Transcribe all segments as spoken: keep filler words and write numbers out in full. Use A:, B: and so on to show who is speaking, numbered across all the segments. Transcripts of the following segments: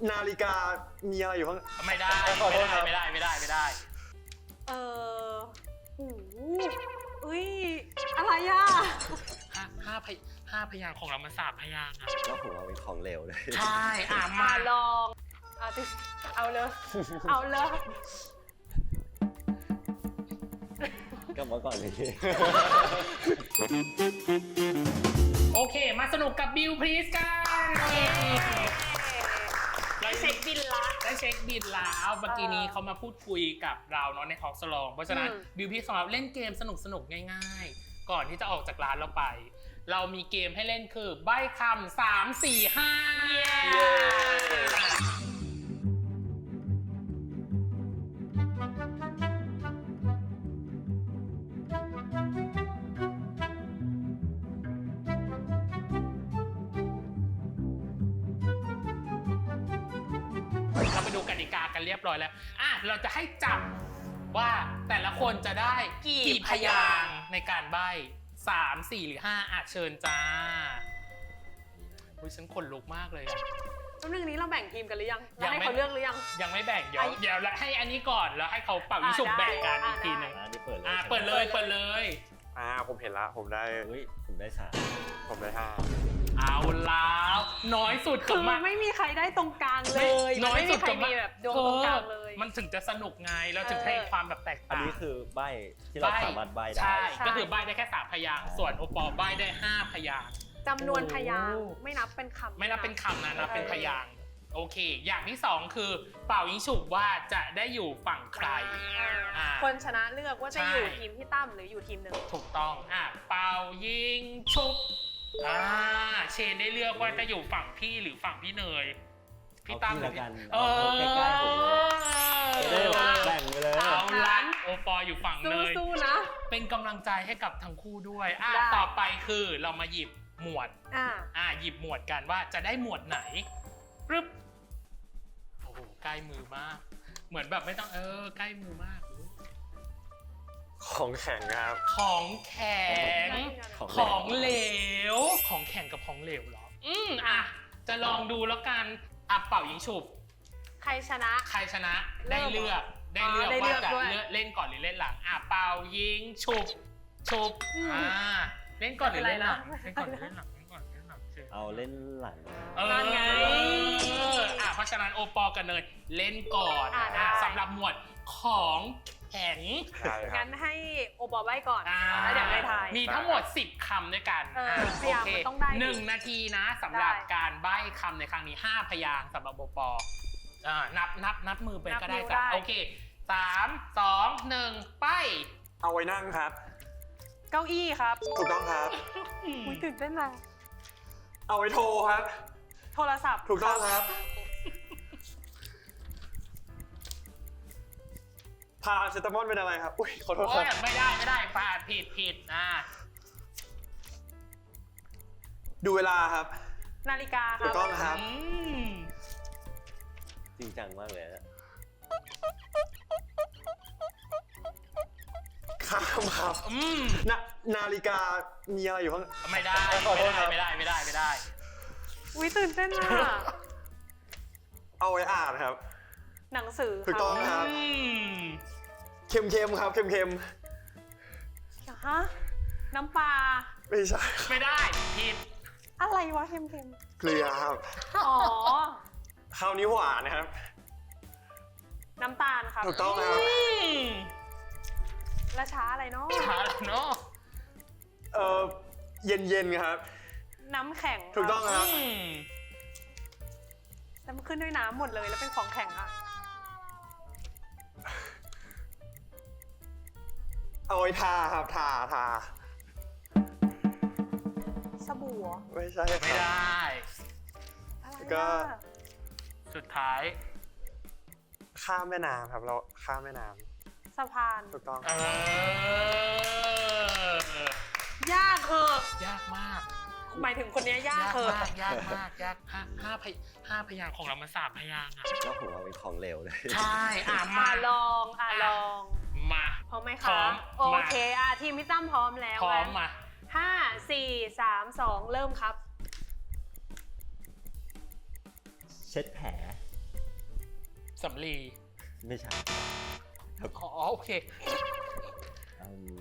A: นาฬิกามีอะไรอยู่ข้าง
B: ไม่ได้ไม่ได้ไม่ได้ไม่ได้ไม่ได้
C: เออโอ้โหอุ้ยอะไรอ่ะ
B: ห้าห้าพยห้าพยางของเรามันสามพยางอ่ะ
A: ก็ผมเอาเป็นของเหลวเลย
B: ใช่อ่ะ
C: มาลองเอาติเอาเลยเอาเลย
A: ก็มาก่อนเลย
B: โอเคมาสนุกกับบิวพลีสกัน
C: ได้เช็คบินละ
B: ได้เช็คบินแล้วเมื่อกี้นี้เขามาพูดคุยกับเราเนาะในทอล์กสลองเพราะฉะนั้นบิวพลีสของเราเล่นเกมสนุกสนุกง่ายๆก่อนที่จะออกจากร้านเราไปเรามีเกมให้เล่นคือใบ้คำสามสี่ห้าเราไปดูกติกากันเรียบร้อยแล้วอ่ะเราจะให้จับว่าแต่ละคนจะได้กี่พยางค์ในการใบ้สาม สี่หรือห้าอาจเชิญจ้าอุ้ยฉันขนลุกมากเลยอ่ะ
C: ตอนนึงนี้เราแบ่งทีมกันหรือยังยังให้เขาเลือกหรือยัง
B: ยังไม่แบ่งเดี๋ยวเดี๋ยวให้อันนี้ก่อนแล้วให้เขาเป่ายิงฉุบแบ่งกันอีกทีหนึ่งอ่าเปิดเลยเปิดเลย
A: อ่าผมเห็นละผมได้อุ้ยผมได้สามผมได้ห้า
B: เอาแล้วน้อยสุด
C: คือมันไม่มีใครได้ตรงกลางเลย
B: น้อยสุด
C: กับมีแบบดวงตรงกลางเลย
B: มันถึงจะสนุกไงเราถึงให้ความแบบแตกต่าง
A: อันนี้คือใบที่เราสามารถใบได้
B: ใช่ก็คือใบได้แค่สามพยางค์ส่วนโอปอใบได้ห้าพยางค์
C: จำนวนพยางค์ไม่นับเป็นคำ
B: ไม่นับเป็นคำนะนับเป็นพยางค์โอเคอย่างที่สองคือเป่ายิงฉุบว่าจะได้อยู่ฝั่งใคร
C: คนชนะเลือกว่าจะอยู่ทีมพี่ตั้มหรืออยู่ทีมหนึ่ง
B: ถูกต้องอ่ะเป่ายิงฉุบอ่าเชนได้เลือกว่าจะอยู่ฝั่งพี่หรือฝั่งพี่เนยพี่ตั้มหรือพี่เออใกล้ๆผม
A: เลยแบ่งไปเลย
B: เอาละโอปออยู่ฝั่งเนย
C: สู้ๆนะ
B: เป็นกำลังใจให้กับทั้งคู่ด้วยอ่ะต่อไปคือเรามาหยิบหมวดอ่าอ่าหยิบหมวดกันว่าจะได้หมวดไหนปึ๊บโอ้โหใกล้มือมากเหมือนแบบไม่ต้องเออใกล้มือมาก
A: ของแข็งครับ
B: ของแข็งของเหลวของแข็งกับของเหลวเหรออืมอ่ะจะลองดูแล้วกันอ่ะเป่ายิงฉุบ
C: ใครชนะ
B: ใครชนะได้เลือกได้เลือกว่าจะเล่นก่อนหรือเล่นหลังอ่ะเป่ายิงฉุบฉุบอ่าเล่นก่อนหรือเล่นหลังเล่นก่อนหรือเล่นหลังเล่นก่อนเล่นหลัง
A: เอาเล่นหลัง
B: เออไงอ่ะเพราะฉะนั้นโอปอกับเนยเล่นก่อนสำหรับหมวดของแข็ง
C: งั้นให้โอปอใบ้ก่อนแล้วเดี๋ยวไปทาย
B: มีทั้งหมดสิบคำด้วยกัน
C: โอเค
B: หนึ่งนาทีนะสำหรับการใบ้คำในครั้งนี้ห้าพยางค์สำหรับโอปอนับนับนับมือไปก็ได้จ้ะโอเคสามสองหนึ่งไป
A: เอาไว้นั่งครับ
C: เก้าอี้ครับ
A: ถูกต้องครับ
C: อุ้ยตื่นเต้นเลย
A: เอาไว้โทรครับ
C: โทรศัพท์
A: ถูกต้องครับพาเซตามอนเป็นอะไรครับอุ้ยขอโทษครับ
B: ไม่ได้ไม่ได้พาผิดผิดอ่า
A: ดูเวลาครับ
C: นาฬิกาครับ
A: ถูกต้องครับจริงจังมากเลยนะข้ามครับนานาฬิกามีอะไรอยู่ข้าง
B: ไม่ได้ไม่ได้ไม่ได้ไม่ได้ไม่ได้
C: อุ้ยตื่นเต้นอ่ะ
A: เอาไว้อ่านครับ
C: หนังสือ
A: ถูกต้องครับเค็มเค็มครับเค็มเค็ม
C: ฮะน้ำปลา
A: ไม่ใช่
B: ไม่ได้ผิด
C: อะไรวะเค็มเค็ม
A: เกลือครับ
C: อ๋อ
A: ข้าวนี้หวานนะครับ
C: น้ำตาลครับ
A: ถูกต้องครับ
C: และช้าอะไรเนาะ
B: ช้าเนาะ
A: เออเย็นเย็นครับ
C: น้ำแข็ง
A: ถูกต้องครับ
C: แต่มันขึ้นด้วยน้ำหมดเลยแล้วเป็นของแข็งอ่ะ
A: เอาไว้ทาครับทาทา
C: สบู่
A: ไม่ใช่
B: ไม่ได้
A: ก็
B: สุดท้าย
A: ข้ามแม่น้ำครับเราข้ามแม่น้ำ
C: สะพาน
A: ถูกต้อง
C: ยากเหอะ
B: ยากมาก
C: หมายถึงคนนี้ยากเหอะ
B: ยากมากยากห้าห้าพยห้าพยางของเรามันสามพยางอ่ะ
A: ก็ผมเอาเป็นของเหลวเลย
B: ใช่อ่ะ
C: มาลองอ่ะลอง
B: มา
C: พร้อมไหมคะโอเคอ่ะทีมพี่ตั้มพร้อมแล้ว
B: พร้อมมา
C: ห้าสี่สามสองเริ่มครับ
A: เช็ดแผล
B: สำลี
A: ไม่ใช่ครับ
B: อ๋อโอเค
A: อืม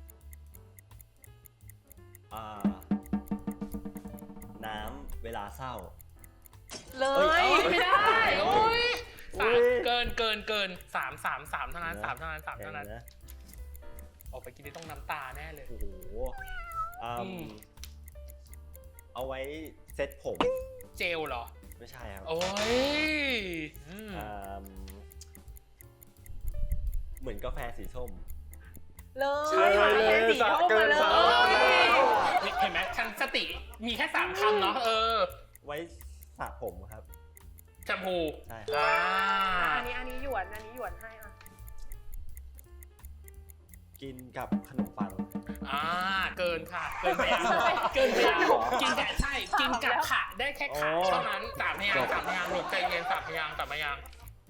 A: อ่าน้ำเวลาเศร้า
C: เล
A: เอ้
C: ย
A: ย
B: ไม่ได้โอ้ย
A: อุ๊
B: สาม
A: ย
B: เกินเกินเกินสามสามสามเท่านั้นสามเท่านั้นสาม
A: แข่
B: เท่าง นั้น
A: นะ
B: ออกไปกินนี่ต้องน้ำตาแน่เลย
A: โอ้โหอื
B: อื
A: ม
B: ม
A: เอาไว้เซ็ตผม
B: เจลเหรอ
A: ไม่ใช่ครับ
B: โอ้ยอืม
A: อืมเหมือนกาแฟสีส้ม
C: เลย
D: ใช่เลย
C: สีส้มมาเล
D: สะเกินสะ
C: ย
B: นี่เห็นไหมฉันสติมีแค่สามคำเนาะเออ
A: ไว้สระผมครับ
B: แชมพู
A: ใช่ครับ
B: อ่า
C: อ่ะอันนี้อันนี้หยวนอันนี้หยวนให้อ่ะ
A: กินกับขนมปัง
B: อ่าเกินค่ะ เกินไปยังเกินไปยังกินแต่ใช่ กินกับขาได้แค่ขา
A: อ๋อ
B: เท่านั้นสามพยางค์สามพยางค์หลบใจเย็นสามพยางค์สามพยางค์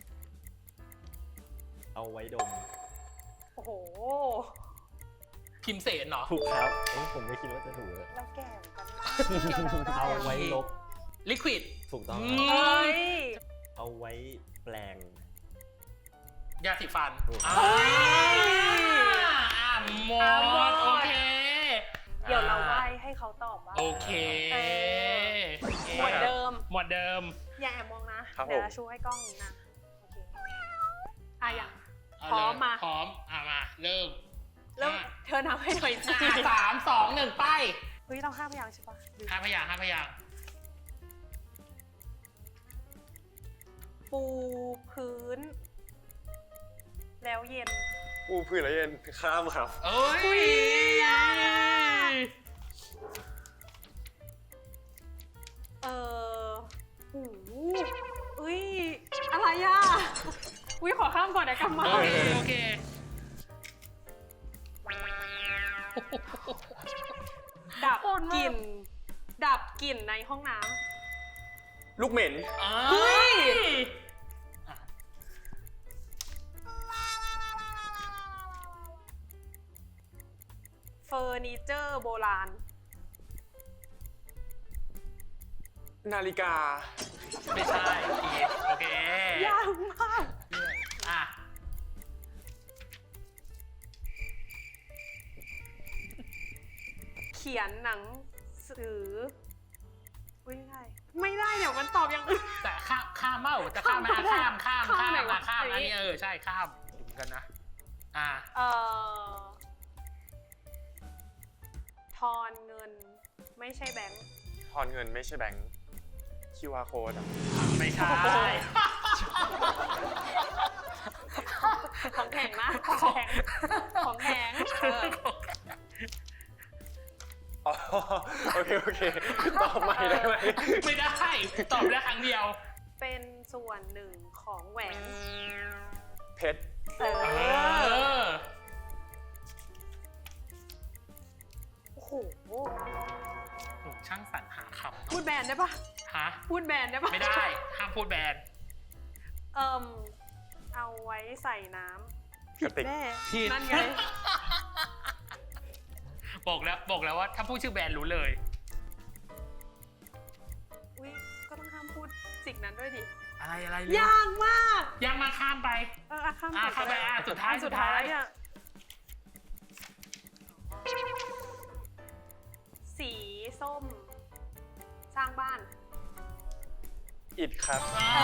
A: เอาไว้ดม
C: โอ้โห
B: พิมพ์เสนเหรอ
A: ถูกครับเอ้ยผมไม่คิดว่าจะถูกเลย
C: เราแก่เหมือนกันนะ
A: เอาไว้ลบ
B: ลิควิด
A: ถูกต้อง
B: อื
A: ครับ
B: ม
C: เฮ้ย
A: เอาไว้แปลง
B: ยาสีฟัน
A: ถูก
B: อ่าอ่าหม
C: อ่ะหม
B: ด
C: ด
B: โอเค
C: เดี๋ยวเราไหว้ให้เขาตอบว่า
B: โอเค
C: เอ หมวดเดิม
B: หมวดเดิม
C: อย่าแอบมองนะ
D: ครับ
C: เดี๋ยว
D: ผม
C: ชูให้กล้องนี้นะ โอเค อ่ะอย่าง
B: เา
C: พร้อม
B: เลย
C: มา
B: พร้อม อ่ะมา เริ่ม
C: เริ่มเธอนับให้หน่อยสิ
B: อ่ะสามสองหนึ่งไป
C: เฮ้ยเราห้าพยางค์ใช่ปะลืม
B: ห้าพยางค์ห้าพยางค์
C: ปูพื้น แล้วเย็น
D: อูพื้นแล้วเย็นข้ามครับ
B: เอ้ย
C: อุ๊ย เออโอ้โหอุ้ย อะไรอ่ะ อุ้ยขอข้ามก่อนเดี๋ยวกลับมา
B: โอเคโอเค
C: ดับกลิ่น ดับกลิ่นในห้องน้
D: ลูกเหม็น
B: เฮ้ย
C: ำเฟอร์นิเจอร์โบราณ
D: นาฬิกา
B: ไม่ใช่อีกโอเค
C: ยากมาก
B: อ่ะ
C: เขียนหนังสืออุ้ยไม่ได้ ไม่ได้เดี๋ยวมันตอบอย่างอื่น
B: แต่ข้ามข้ามเมาจะข้ามไหมอ่ะข้ามข้าม
C: ข้าม
B: ข้าม
C: ไหนวะ
B: อ่ะข้าม
C: อั
B: อั
C: น
B: น
C: นี้
B: นี้เออใช่ข้ามเหมือนกันนะ อ่ะ
C: เอ่อ ทอนเงิน ไม่ใช่แบงค์
D: ทอนเงินไม่ใช่แบงค์ คิว อาร์ code อะ
B: ไม่ใช่
C: ของแข็งนะ ของแข็ง ของแข็งเออ
D: อ๋อโอเค โอเค ตอบใหม่ได้ไหม
B: ไม่ได้ ตอบได้ครั้งเดียว
C: เป็นส่วนหนึ่งของแหวน
D: เพชร
C: เอ
B: เอ
C: อ
B: อ
C: โอ้โห
B: หนูช่างสรรหาคำ
C: พูดแบรนด์ได้ปะ
B: ฮะ
C: พูดแบรนด์ได้ปะ
B: ไม่ได้ ห้ามพูดแบน
C: เอิ่มเอาไว้ใส่น้ำ
D: กระติก
C: แน่
B: ผิด
C: นั่นไง
B: บอกแล้วบอกแล้วว่าถ้าพูดชื่อแบรนด์รู้เลย
C: อุ้ยก็ต้องห้ามพูดสิ่งนั้นด้วยดิ
B: อะไรอะไร
C: ยากมาก
B: ยังมาข้ามไป
C: เอออ่ะข้าม
B: อ่ะ
C: ก่อน
B: ข้ามไป
C: ก็ด้
B: อ่ะสุดท้าย
C: สุดท้าย
B: สุดท้าย
C: เนี่ยสีส้ม สร้างบ้าน
D: อิดครับ
B: อ่า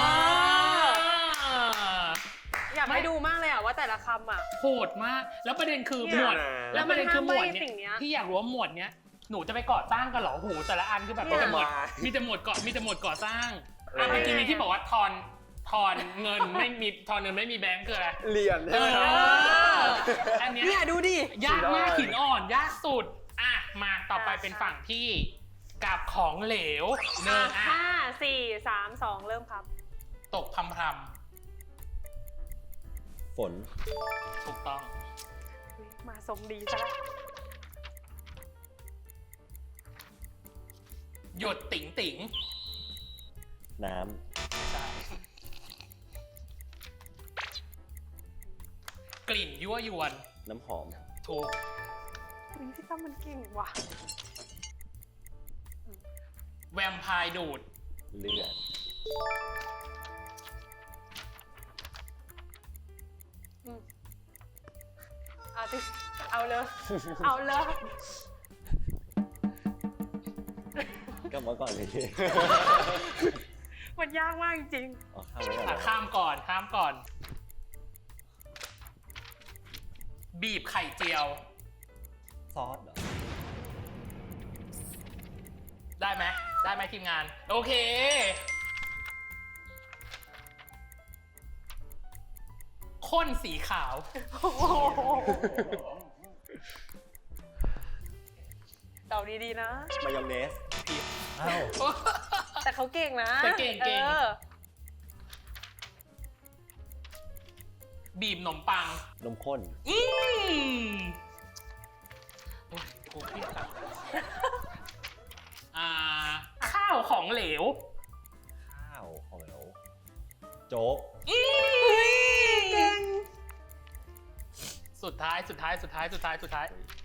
C: อยากให้ดูมากเลยอ่ะว่าแต่ละคำอ่ะ
B: โหดมาก แล้วประเด็นคือห
C: เนี่
B: ม
C: ย
B: วด แล้วประเด็นคือหมวด
C: แล้วมันห้ามใบ้สิ่งเนี้
B: เนี้
C: ย
B: ยที่อยากรู้ว่าหมวดเนี้ย หนูจะไปก่อสร้างกันเหรอโหแต่ละอันคือแบบมีแต่หมวด
D: เนี่ย
B: มีแต่หมวดก่อมีแต่หมวดก่อสร้าง
D: เออ
B: อ่ะเมื่อกี้นี้ที่บอกว่าทอน ทอนเงินไม่มี ทอนเงินไม่มีแบงก์คืออะไร
D: เหรียญ
B: เอ
D: ใช่ไหมครับ
B: อ อันเนี้ย
C: เนี่ยดูดิ
B: ยากมาก
D: สุ
B: หิ
D: ด
B: น
D: ยอด
B: อ่อน ยากสุด อ่ะ มาต่อไป
C: อ่ะ
B: เป็นฝั่งที่กับของเหลวหนึ่งอ่ะ
C: ห้าสี่สามสองเริ่มครับ
B: ตกพำพร
A: ฝน
B: ำถูกต้อง
C: อุ๊ยมาสมดีซะแล้ว
B: หยดติ๋งติ๋ง
A: น้
B: ไม่ใช่กลิ่นยั่วยวน
A: ำ น้ำหอม
B: ถูก
C: อุ๊ยพี่ตั้มมันเก่งว่ะ
B: แวมไพร์ดูด
A: เลือด
C: ติเอาเลย เอาเลย
A: กลับมาก่อนเลยพี่
C: มันยากมากจริง
A: อ๋อข้ามไว้ก่อน
B: อ่ะ
A: นะ
B: ข้ามก่อนข้ามก่อน บีบไข่เจียว
A: ซอสเหรอ
B: ได้ไหมได้ไหมทีมงาน โอเค ข้นสีขาว
C: ๆ โอ้โหเดาดีๆนะ
A: มายองเนส
B: ผิด
A: อ้าว
C: แต่เขาเก่งนะ
B: แต่เก่งเก่ง
C: ออ
B: บีบขนมปัง
A: นมข้น
B: อืมโอ้ยกูเครียดอะอ่า ข้าวของเหลว
A: ข้าวของเราโจ๊ก
B: อืม
C: เก่ง
B: สุดท้ายสุดท้ายสุดท้ายสุดท้ายสุดท้าย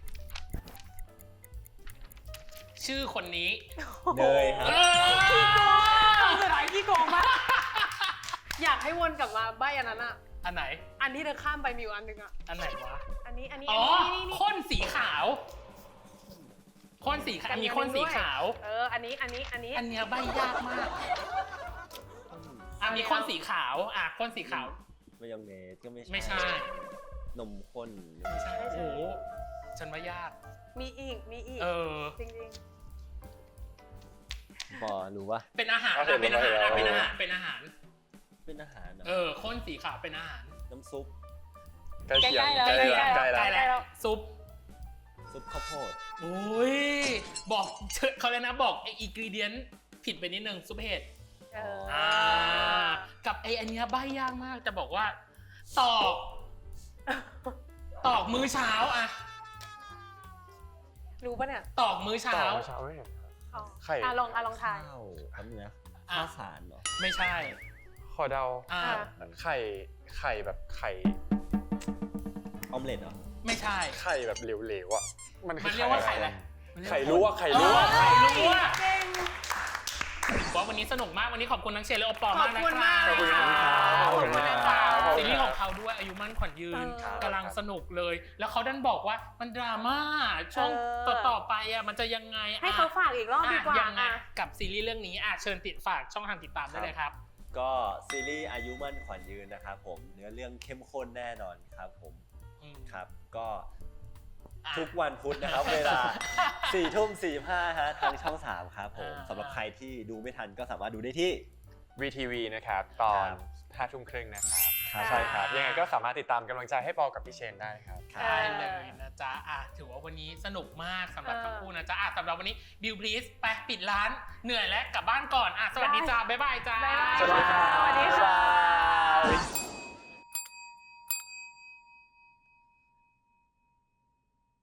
B: ชื่อคนนี้
A: เนยครับ
B: เออ
C: สุดท้ายขี้โกงมากอยากให้วนกลับมาใบอันนั้นอ่ะ
B: อันไหน
C: อันที่เธอข้ามไปมีอยู่อันหนึงอ่ะ
B: อันไหนวะ
C: อันนี้ อันนี้
B: อ๋อ
C: อันนี้นี่
B: ข้นสีขาวข้นสีขาวมีข้นสีขาว
C: เออ อันนี้ อันนี้ อันนี้
B: อันเนี้ยใบยากมากอ่ะมีข้นสีขาวอ่ะข้นสีขาว
A: มายองเนสก็ไม่ใช่
B: ไม่ใช่
A: นมข้น
B: ไม่ใช่โอ้โหฉันว่ายาก
C: มีอีก มีอีก
B: เออ
C: จริง
A: ปอรู้ปะ
B: เป็นอาหาร
D: เอาเห็
B: อ่ะ
D: น
B: เป็นอาหาร
D: แล้ว
B: อ่ะเป็นอาหารเป็นอาหาร
A: เป็นอาหารเหรอ
B: เออข้นสีขาวเป็นอาหาร
A: น้ำซุป
D: ใกล้เคียง
C: ใกล้ๆแล้ว
D: ใกล้
C: ใกล้ๆ
D: ใกล้
C: แล้ว
D: แล้ว
B: ซุป
A: ซุปข้าวโพด
B: โอ้ยบอกเชิญเขาเลยนะบอกไออินกรีเดียนผิดไปนิดนึงซุปเห็ด
C: ๆ เออ
B: อ่ากับไออันเนี้ยใบยากมากจะบอกว่า ตอก ตอกมื้อเช้าอะ
C: รู้ปะเนี่ย
B: ตอกมื้อเช้า
D: ต่อเช้าไม่เห็น
C: อ๋อ
D: ไข่
C: อ่ะลองอ่ะลองทาย
A: ข้าวแป๊บนึงนะ
B: อ่ะ
A: ข้าวสารเหรอ
B: ไม่ใช่
D: ขอเดา
B: อ่า
C: อ่ะ
D: ไข่ ไข่แบบไข่
A: ออมเล็ตเหรอ
B: ไม่ใช่
D: ไข่แบบเหลวๆอ่ะ มันคื
B: มั
D: อน
B: เรียกว่าไข่อะไร
D: ไข่ลวกไข่ล
B: อ๋
D: ว
B: อก ไข่ลวก
C: เก่ง
B: ว่าวันนี้สนุกมากวันนี้ขอบคุณทั้งเชนและโอปอล์มากนะ
C: ขอบคุณมาก
B: ค
D: ข
B: รั
D: อบคุณครับ
C: ขอบคุณนะครับ
B: ซีรีส์ของเขาด้วยอายุมั่นขวัญยืน
C: เออ
B: กำลังสนุกเลย แล้วเขาดันบอกว่ามันดราม่าช่วง
C: เออ
B: ต่อๆไปอ่ะมันจะยังไง
C: ให้
B: อ่ะ
C: เขาฝากอีกรอบดีกว่า
B: อ่ะยังไง
C: อ่ะ
B: กับซีรีส์เรื่องนี้อ่ะเชิญติดฝากช่องทางติดตามได้เลยครับ
A: ก็ซีรีส์อายุมั่นขวัญยืนนะครับผมเนื้อเรื่องเข้มข้นแน่นอนครับผม
B: อืม
A: ครับ ก็
B: อ่ะ
A: ทุกวันพุธนะครับ เวลาสี่ทุ่มสี่ห้าฮะทางช่องสามครับผม
B: อ่า
A: สำหรับใครที่ดูไม่ทันก็สามารถดูได้ที่
D: วี ที วี นะครับ ตอน
A: ครับ
D: ห้าทุ่มครึ่งนะครับ
A: ครับ
D: ใช่ครับ ยังไงก็สามารถติดตามกำลังใจให้ปอกับพี่เชนได้ครับ
B: ได้เลยนะจ๊ะอ่ะถือว่าวันนี้สนุกมากสำหรับ
C: เออ
B: ทั้งคู่นะจ๊ะอ่ะสำหรับวันนี้บิวพลีสไปปิดร้านเหนื่อยแล้วกลับบ้านก่อนอ่ะสวัสดีจ้าบ๊ายบายจ้า
C: บ๊ายบาย
D: สวัสดีครับ
C: สวัสดีค่ะ
D: บ๊ายบาย